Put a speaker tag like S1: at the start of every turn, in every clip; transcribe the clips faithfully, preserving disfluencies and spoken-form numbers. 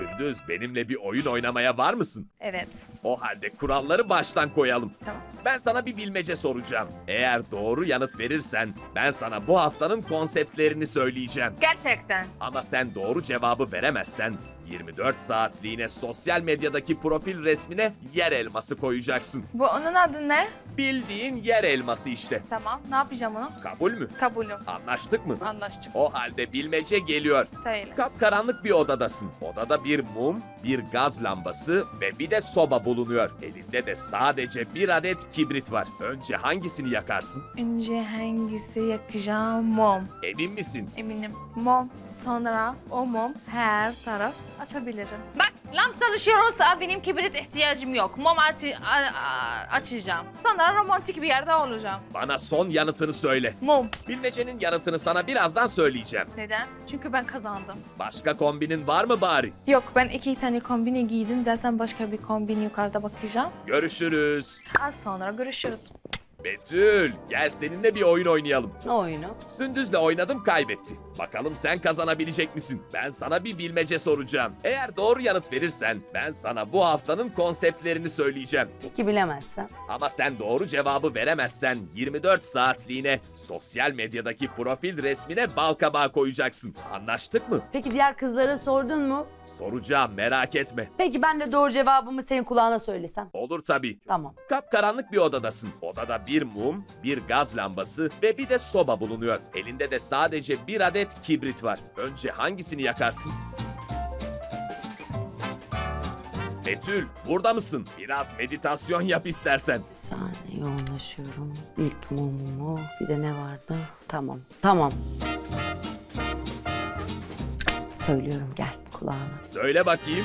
S1: Sündüz, benimle bir oyun oynamaya var mısın?
S2: Evet.
S1: O halde kuralları baştan koyalım.
S2: Tamam.
S1: Ben sana bir bilmece soracağım. Eğer doğru yanıt verirsen ben sana bu haftanın konseptlerini söyleyeceğim.
S2: Gerçekten.
S1: Ama sen doğru cevabı veremezsen yirmi dört saatliğine sosyal medyadaki profil resmine yer elması koyacaksın.
S2: Bu onun adı ne?
S1: Bildiğin yer elması işte.
S2: Tamam. Ne yapacağım onu?
S1: Kabul mü?
S2: Kabulüm.
S1: Anlaştık mı?
S2: Anlaştık.
S1: O halde bilmece geliyor.
S2: Söyle.
S1: Kapkaranlık bir odadasın. Odada bir mum, bir gaz lambası ve bir de soba bulunuyor. Elinde de sadece bir adet kibrit var. Önce hangisini yakarsın?
S2: Önce hangisi yakacağım? Mum.
S1: Emin misin?
S2: Eminim. Mum. Sonra o mum her taraf açabilirim. Bak lamp çalışıyorsa benim kibrit ihtiyacım yok. Mum açı- a- a- açacağım. Sonra romantik bir yerde olacağım.
S1: Bana son yanıtını söyle.
S2: Mum.
S1: Bilmecenin yanıtını sana birazdan söyleyeceğim.
S2: Neden? Çünkü ben kazandım.
S1: Başka kombinin var mı bari?
S2: Yok ben iki tane kombini giydim. Zaten başka bir kombin yukarıda bakacağım.
S1: Görüşürüz.
S2: Az sonra görüşürüz.
S1: Betül, gel seninle bir oyun oynayalım.
S3: Ne oyunu?
S1: Sündüz'le oynadım, kaybetti. Bakalım sen kazanabilecek misin? Ben sana bir bilmece soracağım. Eğer doğru yanıt verirsen ben sana bu haftanın konseptlerini söyleyeceğim.
S3: Peki bilemezsem?
S1: Ama sen doğru cevabı veremezsen yirmi dört saatliğine sosyal medyadaki profil resmine balkabağı koyacaksın. Anlaştık mı?
S3: Peki diğer kızlara sordun mu?
S1: Soracağım, merak etme.
S3: Peki ben de doğru cevabımı senin kulağına söylesem?
S1: Olur tabii.
S3: Tamam.
S1: Kapkaranlık bir odadasın. Odada bir mum, bir gaz lambası ve bir de soba bulunuyor. Elinde de sadece bir adet kibrit var. Önce hangisini yakarsın? Betül, burada mısın? Biraz meditasyon yap istersen.
S3: Bir saniye yoğunlaşıyorum. İlk mumumu. Bir de ne vardı? Tamam. Tamam. Söylüyorum gel kulağına.
S1: Söyle bakayım.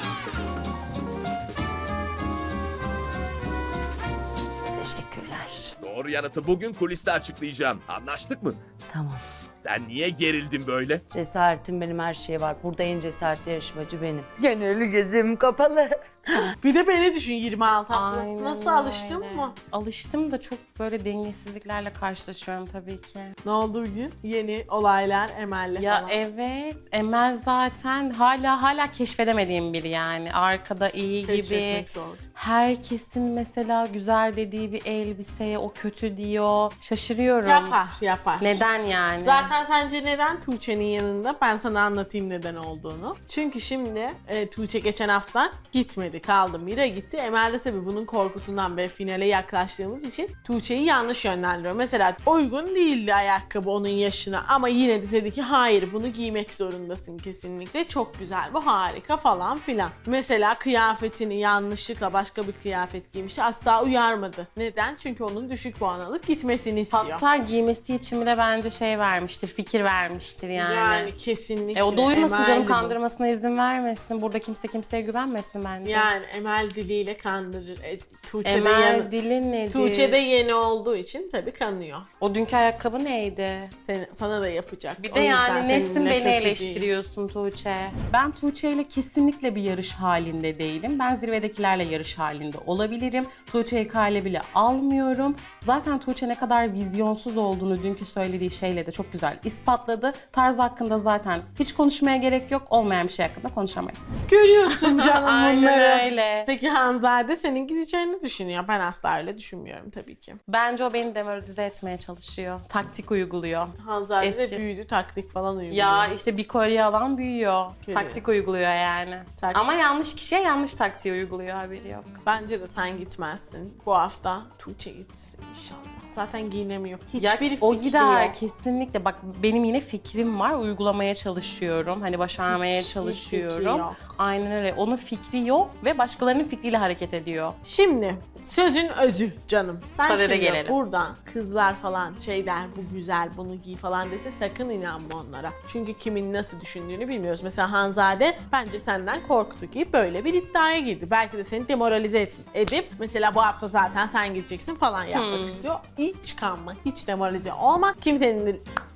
S3: Teşekkürler.
S1: Doğru yanıtı bugün kuliste açıklayacağım. Anlaştık mı?
S3: Tamam.
S1: Sen niye gerildin böyle?
S3: Cesaretim benim, her şey var. Burada en cesaretli yarışmacı benim. Gönüllü gözüm kapalı.
S4: Bir de beni düşün yirmi altı hafta.
S5: Aynen
S4: Nasıl alıştın
S5: öyle.
S4: mı?
S5: Alıştım da çok böyle dengesizliklerle karşılaşıyorum tabii ki.
S4: Ne oldu bugün? Yeni olaylar Emel'le
S5: Ya
S4: falan.
S5: evet, Emel zaten hala hala keşfedemediğim biri yani. Arkada iyi gibi.
S4: Keşfetmek zor.
S5: Herkesin mesela güzel dediği bir elbiseye o kötü diyor. Şaşırıyorum.
S4: Yapar yapar.
S5: Neden yani?
S4: Zaten sence neden Tuğçe'nin yanında? Ben sana anlatayım neden olduğunu. Çünkü şimdi e, Tuğçe geçen hafta gitmedi, kaldı. Mira gitti. Emel de tabii bunun korkusundan ve finale yaklaştığımız için Tuğçe'yi yanlış yönlendiriyor. Mesela uygun değildi ayakkabı onun yaşına ama yine de dedi ki hayır bunu giymek zorundasın kesinlikle. Çok güzel, bu harika falan filan. Mesela kıyafetini yanlışlıkla başka bir kıyafet giymiş. Asla uyarmadı. Neden? Çünkü onun düşük puan alıp gitmesini istiyor.
S5: Hatta giymesi için bile bence şey vermiştir, fikir vermiştir yani.
S4: Yani kesinlikle.
S5: E o da uymasın
S4: Emel
S5: canım,
S4: bu.
S5: kandırmasına izin vermesin. Burada kimse kimseye güvenmesin bence.
S4: Yani Emel diliyle kandırır. E, Tuğçe de
S5: Emel
S4: yeni,
S5: dili nedir?
S4: Tuğçe de yeni olduğu için tabii kanıyor.
S5: O dünkü ayakkabı neydi?
S4: Seni, sana da yapacak.
S5: Bir
S4: O
S5: de
S4: yüzden
S5: yani Nesin
S4: seninle
S5: beni
S4: kötü değil.
S5: eleştiriyorsun Tuğçe. Ben Tuğçe ile kesinlikle bir yarış halinde değilim. Ben zirvedekilerle yarış halinde olabilirim. Tuğçe'yi kale bile almıyorum. Zaten Tuğçe ne kadar vizyonsuz olduğunu dünkü söylediği şeyle de çok güzel ispatladı. Tarz hakkında zaten hiç konuşmaya gerek yok. Olmayan bir şey hakkında konuşamayız.
S4: Görüyorsun canım
S5: Aynen
S4: bunları.
S5: öyle.
S4: Peki Hanzade senin gideceğini düşünüyor. Ben asla öyle düşünmüyorum tabii ki.
S5: Bence o beni demoralize etmeye çalışıyor. Taktik uyguluyor.
S4: Hanzade
S5: Eski.
S4: de büyüdü, taktik falan uyguluyor.
S5: Ya işte bir kolye alan büyüyor.
S4: Görüyoruz.
S5: Taktik uyguluyor yani.
S4: Tak-
S5: Ama yanlış kişiye yanlış taktiği uyguluyor, haberi yok.
S4: Bence de sen gitmezsin. Bu hafta Tuğçe gitsin inşallah. Zaten giyinemiyor.
S5: Ya
S4: Hiçbir
S5: o
S4: fikri
S5: gider
S4: yok.
S5: kesinlikle. Bak benim yine fikrim var. Uygulamaya çalışıyorum. Hani başarmaya
S4: Hiçbir fikri
S5: çalışıyorum.
S4: yok.
S5: Aynen öyle. Onun fikri yok ve başkalarının fikriyle hareket ediyor.
S4: Şimdi sözün özü canım. Sen
S5: Sadede
S4: şimdi
S5: gelelim.
S4: buradan kızlar falan şey der, bu güzel bunu giy falan dese sakın inanma onlara. Çünkü kimin nasıl düşündüğünü bilmiyoruz. Mesela Hanzade bence senden korktu ki böyle bir iddiaya girdi. Belki de seni demoralize et- edip mesela bu hafta zaten sen gideceksin falan yapmak
S5: Hmm.
S4: istiyor. Hiç kanma, hiç demoralize olma. Kimsenin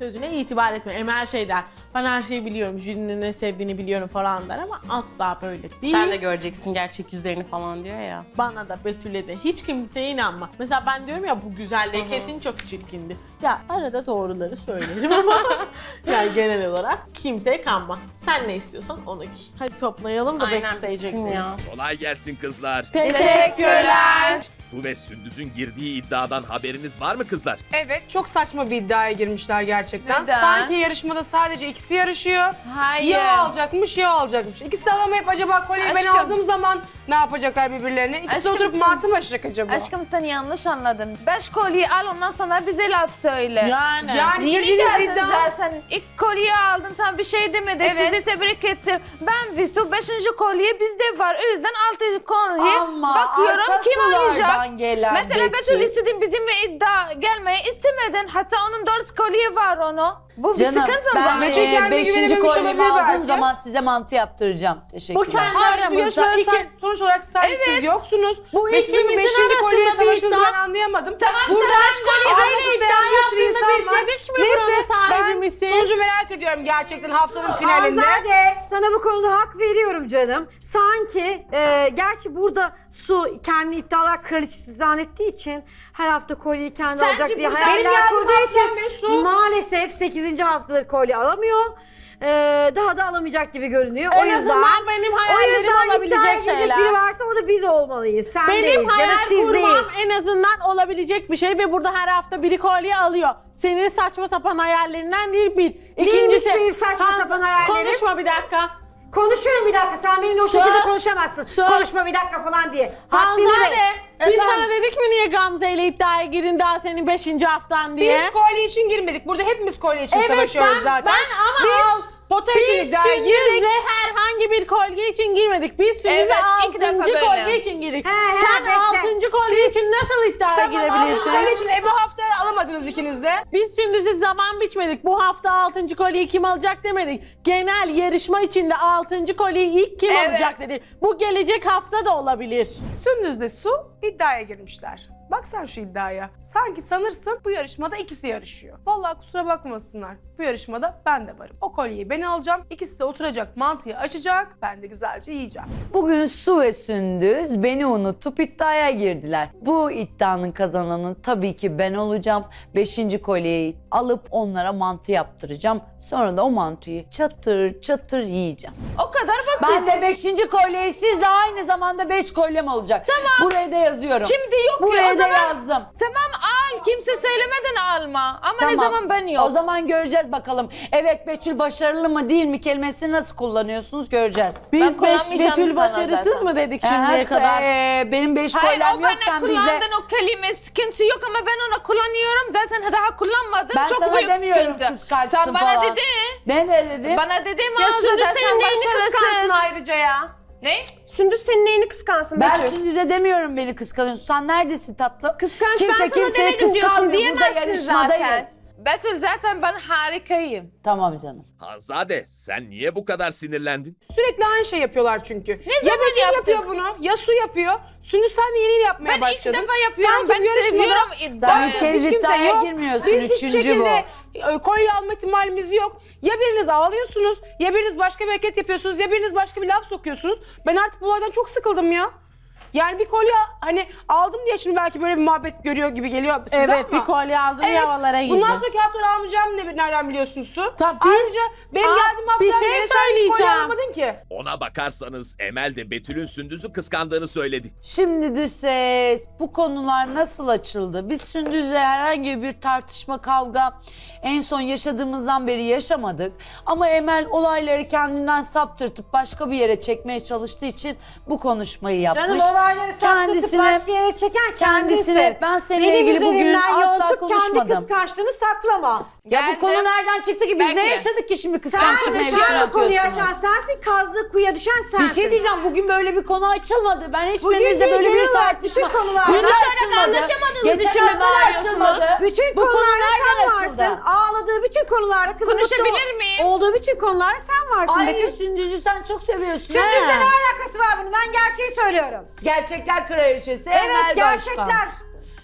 S4: sözüne itibar etme. Emel şey der, ben her şeyi biliyorum, jürinin ne sevdiğini biliyorum falan der ama asla böyle değil.
S5: Sen de göreceksin gerçek yüzlerini falan diyor ya.
S4: Bana da Betül'e de hiç kimseye inanma. Mesela ben diyorum ya bu güzelliği kesin çok çirkindi. Ya arada doğruları söylerim ama yani genel olarak kimseye kanma. Sen ne istiyorsan onu giy. Hadi toplayalım da
S5: Aynen
S4: backstage'e
S5: bitsin
S4: gidelim.
S5: ya.
S1: Kolay gelsin kızlar.
S4: Teşekkürler.
S1: Su ve Sündüz'ün girdiği iddiadan haberiniz var mı kızlar?
S6: Evet, çok saçma bir iddiaya girmişler gerçekten.
S2: Neden?
S6: Sanki yarışmada sadece ikisi yarışıyor.
S2: Hayır.
S6: Ya o alacakmış ya o alacakmış. İkisi de alamayıp acaba kolyeyi ben
S2: Aşkım.
S6: aldığım zaman ne yapacaklar birbirlerine? İkisi de
S2: Aşkım
S6: oturup
S2: sen-
S6: mantı mı açacak acaba?
S2: Aşkım sen yanlış anladın. Beş kolyeyi al ondan sonra bize laf söyle.
S4: Yani.
S6: Yani
S2: Yeni
S6: girdiğiniz
S2: geldin
S6: iddia...
S2: zaten. İlk kolyeyi aldın, sen bir şey demedin.
S6: Evet.
S2: Sizi tebrik ettim. Ben Visu beşinci kolye bizde var. O yüzden altı kolye
S3: Ama
S2: bakıyorum
S3: arka
S2: kim alacak.
S3: sulardan gelen
S2: Mesela Betül istedin bizimle iddia gelmeye istemedin. Hatta onun dört kolye var onu. Bu bir
S3: Canım
S2: sıkıntı
S3: ben
S2: mı?
S6: Betül
S3: e,
S6: kendine
S3: beşinci
S6: güvenememiş
S3: kolyemi
S6: olabilir
S3: aldığım
S6: belki.
S3: zaman size mantı yaptıracağım.
S4: Bu
S3: Teşekkürler.
S4: kendi
S6: Hayır, bu
S4: aramızda
S6: yarışmada
S4: iki...
S6: sen, sonuç olarak sadece siz yoksunuz.
S4: Bu
S6: Ve sizin
S4: ikimizin
S6: beşinci
S4: arasında
S6: kolyeye
S4: bir
S6: savaşınızı
S4: iddia.
S6: ben anlayamadım.
S2: Tamam,
S6: Burada
S2: sen
S6: beş kolye
S4: Aynı
S6: aynı
S4: iddia
S6: iddia bir sürü
S4: yaptığında
S6: insan var.
S4: biz dedik mi buranın sahibi
S6: ben
S4: misin?
S6: sonucu merak ediyorum gerçekten haftanın finalinde.
S7: Azade sana bu konuda hak veriyorum canım. Sanki e, gerçi burada Su kendi iddialar kraliçesi zannettiği için her hafta kolyeyi kendi
S2: Sence
S7: alacak diye
S2: burada-
S7: hayaller
S6: Benim geldiğim
S7: kurduğu
S6: haftadan beri
S7: için
S6: Su-
S7: maalesef sekizinci haftadır kolye alamıyor. E, daha da alamayacak gibi görünüyor. o
S4: En
S7: yüzden
S4: azından benim
S7: o
S4: hayallerim
S7: yüzden iddiaya
S4: olabilecek
S7: girecek
S4: şeyler.
S7: biri varsa o da biz olmalıyız. Sen değil
S4: Benim
S7: ya da
S4: hayal
S7: siz
S4: kurmam
S7: değil.
S4: en azından olabilecek bir şey ve burada her hafta biri kolye alıyor. Senin saçma sapan hayallerinden değil bir.
S7: Neymiş benim saçma sapan hayallerim?
S4: Konuşma bir dakika.
S7: Konuşuyorum bir dakika. Sen benimle o
S4: Söz.
S7: şekilde konuşamazsın.
S4: Söz.
S7: Konuşma bir dakika falan diye. Haddini
S4: Hanzade,
S7: ver.
S4: biz
S7: Efendim?
S4: sana dedik mi niye Gamze ile iddiaya girin daha senin beşinci haftan diye?
S6: Biz kolye için girmedik. Burada hepimiz kolye için
S4: Evet,
S6: savaşıyoruz
S4: ben-
S6: zaten.
S4: ben ama
S6: biz
S4: al-
S6: pota için
S4: Biz
S6: iddiaya girdik.
S4: Sündüz'le herhangi bir kolye için girmedik. Biz Sündüz'e
S2: Evet, ilk defa
S4: altıncı
S2: böyle.
S4: kolye için girdik.
S7: He, he,
S4: Sen
S7: bekle.
S4: altıncı kolye için nasıl iddiaya
S6: Tamam,
S4: girebilirsin?
S6: aldığınız kolye için e, bu hafta alamadınız ikiniz de.
S4: Biz Sündüz'e zaman biçmedik. Bu hafta altıncı kolyeyi kim alacak demedik. Genel yarışma içinde altıncı kolyeyi ilk kim
S2: Evet.
S4: alacak dedik. Bu gelecek hafta da olabilir.
S6: Sündüz'le Su iddiaya girmişler. Bak sen şu iddiaya. Sanki sanırsın bu yarışmada ikisi yarışıyor. Vallahi kusura bakmasınlar. Bu yarışmada ben de varım. O kolyeyi ben alacağım. İkisi de oturacak, mantıyı açacak. Ben de güzelce yiyeceğim.
S3: Bugün Su ve Sündüz beni unutup iddiaya girdiler. Bu iddianın kazananı tabii ki ben olacağım. Beşinci kolyeyi alıp onlara mantı yaptıracağım. Sonra da o mantıyı çatır çatır yiyeceğim.
S2: O kadar basit.
S3: Ben de beşinci kolyeyi sizle aynı zamanda beş kolyem olacak. Tamam. Buraya da yazıyorum.
S2: Şimdi yok
S3: Buraya
S2: ya o
S3: da
S2: zaman.
S3: yazdım.
S2: Tamam al. Kimse söylemeden alma. Ama ne
S3: Tamam.
S2: zaman ben yok.
S3: O zaman göreceğiz bakalım. Evet Betül başarılı mı değil mi kelimesini nasıl kullanıyorsunuz göreceğiz.
S4: Biz beş
S2: kullanmayacağım
S4: Betül
S2: sana
S4: başarısız
S2: zaten.
S4: mı dedik
S3: Aha,
S4: şimdiye kadar?
S3: ee, benim beş
S2: Hayır
S3: kolyem
S2: o
S3: yok
S2: bana
S3: sen bize.
S2: kullandın o kelime sıkıntı yok ama ben onu kullanıyorum. Zaten daha kullanmadım.
S3: Ben
S2: Çok
S3: sana
S2: büyük
S3: demiyorum
S2: sıkıntı.
S3: kıskançsın
S2: Sen bana
S3: falan.
S2: dedin.
S3: Ne ne dedi?
S2: Bana dedin
S6: Ya
S2: mağazada
S6: Sündüz
S2: sen
S6: senin neyini kıskansın
S2: başarısız.
S6: ayrıca ya?
S2: Ne?
S6: Sündüz senin neyini kıskansın
S3: Ben
S6: Betül?
S3: Sündüz'e demiyorum beni kıskanıyorsun. Sen neredesin tatlım?
S6: Kıskanç,
S3: Kimse
S6: ben sana
S3: kimseye
S6: demedim diyorsun,
S3: kıskanmıyor. Burada
S6: diyemezsin
S3: yarışmadayız.
S6: zaten.
S2: Betül zaten ben harikayım.
S3: Tamam canım.
S1: Hanzade sen niye bu kadar sinirlendin?
S6: Sürekli aynı şey yapıyorlar çünkü.
S2: Ne
S6: ya
S2: zaman
S6: Betül
S2: yaptık?
S6: yapıyor bunu, ya Su yapıyor. Sündüz sen de yeni yeni yapmaya
S2: Ben ilk
S6: başladın.
S2: defa yapıyorum.
S6: Sanki
S2: Ben
S6: bu yarışmada
S2: seviyorum
S3: Sen
S2: iddiayı.
S3: bir kez
S6: hiç kimse
S3: iddiaya
S6: yok.
S3: girmiyorsun.
S6: Biz hiçbir
S3: Üçüncü bu.
S6: şekilde e, kolye alma ihtimalimiz yok. Ya biriniz ağlıyorsunuz, ya biriniz başka bir hareket yapıyorsunuz, ya biriniz başka bir laf sokuyorsunuz. Ben artık bu olaydan çok sıkıldım ya. Yani bir kolye hani aldım diye şimdi belki böyle bir muhabbet görüyor gibi geliyor size
S4: Evet
S6: ama.
S4: bir kolye aldın havalara girdin.
S6: Bundan sonraki haftalar almayacağım ne, nereden biliyorsun Su?
S4: Tabii biz-
S6: Ayrıca benim
S4: Aa,
S6: geldiğim haftalar
S4: bir şey
S6: beri sen hiç kolye
S4: söyleyeceğim.
S6: almadın ki.
S1: Ona bakarsanız Emel de Betül'ün Sündüz'ü kıskandığını söyledi.
S3: Şimdi de ses, bu konular nasıl açıldı? Biz Sündüz'le herhangi bir tartışma, kavga en son yaşadığımızdan beri yaşamadık. Ama Emel olayları kendinden saptırtıp başka bir yere çekmeye çalıştığı için bu konuşmayı yapmış.
S7: Canım olayları saptırtıp başka yere çeken
S3: kendisine
S7: kendisi.
S3: ben seninle
S7: Benim
S3: ilgili bugün
S7: üzerimden
S3: asla
S7: yontup kendi
S3: konuşmadım.
S7: kıskançlığını saklama.
S3: Ya bu
S2: Geldim.
S3: konu nereden çıktı ki? Biz ne
S2: Bekle.
S3: yaşadık ki şimdi
S7: Sen
S3: kıskançlık mevzusunu
S7: dışarı konuyu
S3: atıyorsunuz?
S7: açan sensin, kazdığı kuyuya düşen sensin.
S3: Bir şey diyeceğim, bugün böyle bir konu açılmadı. Ben
S7: Bugün
S3: hiçbirinizle
S7: değil,
S3: böyle
S7: genel
S3: bir
S7: olarak
S3: tartışma...
S7: bütün konularda.
S3: Bugün de
S7: Konuşarak
S3: açılmadı.
S2: anlaşamadığınız
S3: Geçen
S2: için mi
S3: hafta da
S2: bağırıyorsunuz?
S3: açılmadı.
S7: Bütün
S3: Bu konu
S7: konularda
S3: nereden
S7: sen
S3: açıldı?
S7: varsın. Ağladığı bütün konularda kızın
S2: Konuşabilir
S7: mutlu
S2: miyim?
S7: olduğu bütün konularda sen varsın.
S3: Ay
S7: Betül.
S3: Sündüz'ü sen çok seviyorsun.
S7: Sündüz'le
S3: he?
S7: ne alakası var bunun? Ben gerçeği söylüyorum.
S3: Gerçekler kraliçesi
S7: Evet,
S3: Emel
S7: gerçekler.
S3: Başkan.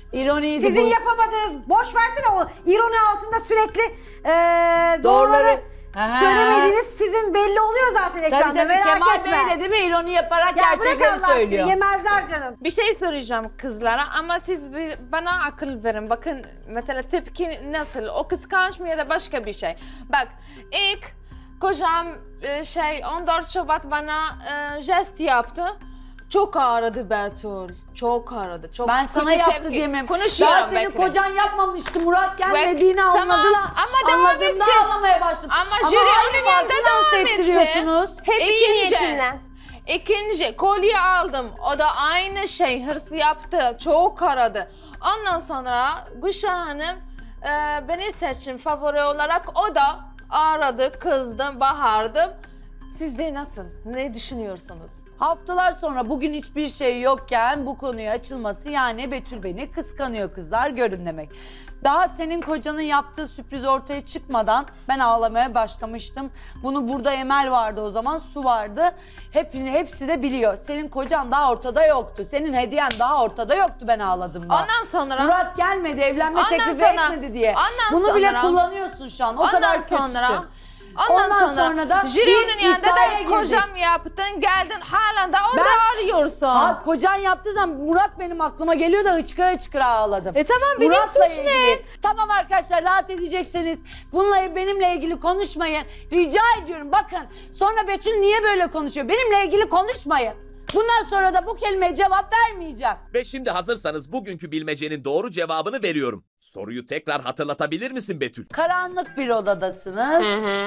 S3: İroniydi
S7: Sizin
S3: bu.
S7: yapamadığınız, boş versene o ironi altında sürekli e,
S3: Doğruları-
S7: doğruları
S3: Aha.
S7: söylemediğiniz sizin belli oluyor zaten ekranda,
S3: Tabii tabii
S7: merak
S3: Kemal
S7: etme.
S3: Bey de değil mi? İroni yaparak
S7: Ya bırak
S3: gerçekleri
S7: Allah aşkına,
S3: söylüyor.
S7: yemezler canım.
S2: Bir şey soracağım kızlara ama siz bir- bana akıl verin. Bakın mesela tepki nasıl? O kıskanç mı ya da başka bir şey? Bak ilk kocam e, şey on dört Şubat bana e, jest yaptı. Çok ağrıdı Betül. Çok ağrıdı. Çok
S3: Ben sana
S2: kötü
S3: yaptı
S2: tepki.
S3: diyemem.
S2: Konuşuyorum
S3: Daha senin
S2: bekle.
S3: kocan yapmamıştı. Murat gelmediğini
S2: Bek- tamam,
S3: anladılar.
S2: ama devam
S3: Anladığımda
S2: etti.
S3: ağlamaya başladım.
S2: Ama jüri
S3: aynı
S2: onun
S3: farkı
S2: yanında
S3: dans
S2: devam etti.
S3: ettiriyorsunuz.
S8: Hep iyi
S2: İkinci,
S8: niyetinden.
S2: ikinci kolye aldım. O da aynı şey hırs yaptı. Çok aradı. Ondan sonra Gülşah Hanım e, beni seçin favori olarak. O da aradı, kızdım, bağırdım. Siz de nasıl? Ne düşünüyorsunuz?
S3: Haftalar sonra bugün hiçbir şey yokken bu konuya açılması yani Betül beni kıskanıyor kızlar görün demek. Daha senin kocanın yaptığı sürpriz ortaya çıkmadan ben ağlamaya başlamıştım. Bunu burada Emel vardı o zaman, Su vardı. Hep, hepsi de biliyor. Senin kocan daha ortada yoktu. Senin hediyen daha ortada yoktu ben ağladığımda.
S2: Ondan sonra...
S3: Murat gelmedi, evlenme
S2: Ondan
S3: teklifi
S2: sonra-
S3: etmedi diye.
S2: ondan
S3: Bunu bile
S2: sonra-
S3: kullanıyorsun şu an. O
S2: Ondan
S3: kadar kötüsün.
S2: sonra... Ondan,
S3: Ondan
S2: sonra,
S3: sonra da
S2: jürinin
S3: biz
S2: yanında
S3: iddiaya
S2: da
S3: girdik.
S2: kocam yaptın, geldin halen de orada
S3: Ben-
S2: arıyorsun.
S3: Ha, kocan yaptığı zaman Murat benim aklıma geliyor da hıçkıra hıçkıra ağladım.
S2: E tamam, benim
S3: Murat'la
S2: suç ne?
S3: ilgili. Tamam arkadaşlar, rahat edecekseniz bununla benimle ilgili konuşmayın. Rica ediyorum, bakın sonra Betül niye böyle konuşuyor? Benimle ilgili konuşmayın. Bundan sonra da bu kelimeye cevap vermeyeceğim.
S1: Ve şimdi hazırsanız bugünkü bilmecenin doğru cevabını veriyorum. Soruyu tekrar hatırlatabilir misin Betül?
S3: Karanlık bir odadasınız.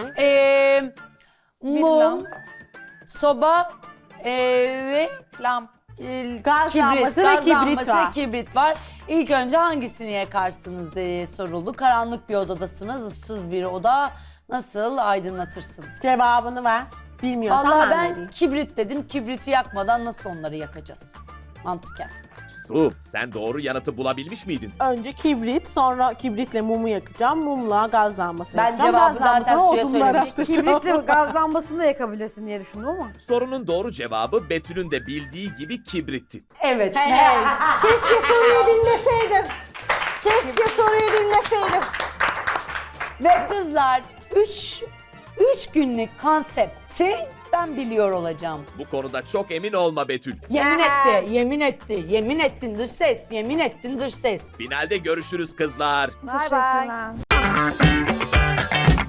S3: Ee, mum,
S2: lamp.
S3: soba ee, ve
S2: Lamp.
S3: e,
S4: Gaz
S3: kibrit,
S4: lambası ve
S3: gaz
S4: kibrit
S3: lambası
S4: var.
S3: ve kibrit var. İlk önce hangisini yakarsınız diye soruldu. Karanlık bir odadasınız, ıssız bir oda. Nasıl aydınlatırsınız?
S4: Cevabını ver. Bilmiyorsan
S3: Vallahi
S4: ben,
S3: ben
S4: vereyim.
S3: kibrit dedim. Kibriti yakmadan nasıl onları yakacağız? Mantıken.
S1: Su, sen doğru yanıtı bulabilmiş miydin?
S4: Önce kibrit, sonra kibritle mumu yakacağım. Mumla gaz lambası
S3: Ben
S4: yakacağım.
S3: cevabı
S4: Gaz
S3: zaten
S4: lambasına
S3: suya
S4: odunları
S3: söylemiştim.
S4: atacağım.
S7: Kibritle gaz lambasını da yakabilirsin diye düşündüm ama.
S1: Sorunun doğru cevabı Betül'ün de bildiği gibi kibritti.
S3: Evet.
S4: Hey hey.
S7: Keşke soruyu dinleseydim. Keşke soruyu dinleseydim.
S3: Ve kızlar üç üç günlük konsepti ben biliyor olacağım.
S1: Bu konuda çok emin olma Betül.
S3: Yemin etti, yemin etti, yemin ettin dış ses, yemin ettin dış ses.
S1: Finalde görüşürüz kızlar.
S7: Bay bay.
S2: Teşekkürler.